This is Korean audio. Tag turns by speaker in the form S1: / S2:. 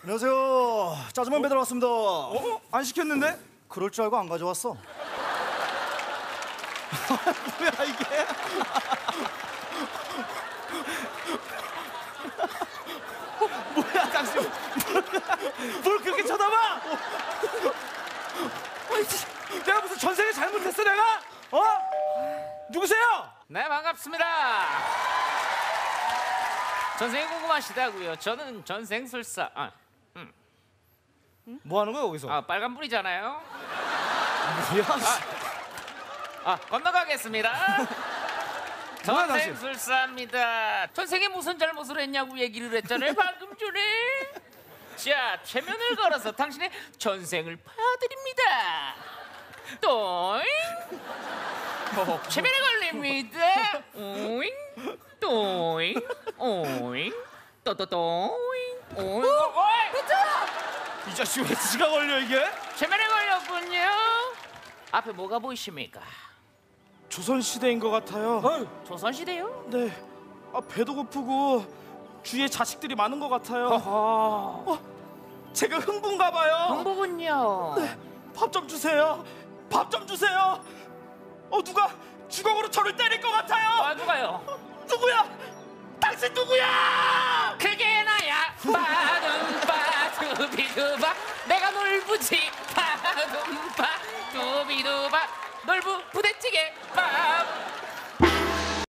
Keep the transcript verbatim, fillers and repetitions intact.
S1: 안녕하세요. 짜장면 배달 왔습니다.
S2: 어? 안 시켰는데?
S1: 그럴 줄 알고 안 가져왔어.
S2: 뭐야 이게? 뭐야 당신? 뭘 그렇게 쳐다봐? 내가 무슨 전생에 잘못했어 내가? 어? 누구세요?
S3: 네, 반갑습니다. 전생이 궁금하시다고요. 저는 전생술사. 아,
S2: 뭐 하는 거야 거기서?
S3: 아 빨간불이잖아요.
S2: 뭐야?
S3: 아, 건너가겠습니다.
S2: 뭐야, 당신?
S3: 전생술사입니다. 전생에 무슨 잘못을 했냐고 얘기를 했잖아요, 방금 전에. 자, 최면을 걸어서 당신의 전생을 파드립니다. 또잉. 최면에 걸립니다. 오잉, 또잉, 오잉, 또또또잉, 오잉.
S2: 이 자식 왜 지가 걸려 이게?
S3: 최면에 걸렸군요. 앞에 뭐가 보이십니까?
S2: 조선 시대인 것 같아요.
S3: 조선시대요?
S2: 네. 아 배도 고프고 주위에 자식들이 많은 것 같아요.
S3: 허허.
S2: 어, 제가 흥분가 봐요.
S3: 흥부군요.
S2: 네, 밥 좀 주세요. 밥 좀 주세요. 어 누가 주걱으로 저를 때릴 것 같아요.
S3: 아, 누가요?
S2: 누구야? 당신 누구야?
S3: 그게 나야. 바둠바 두비두바 내가 놀부지. 바둠바 두비두바 놀부 부대찌개 밥.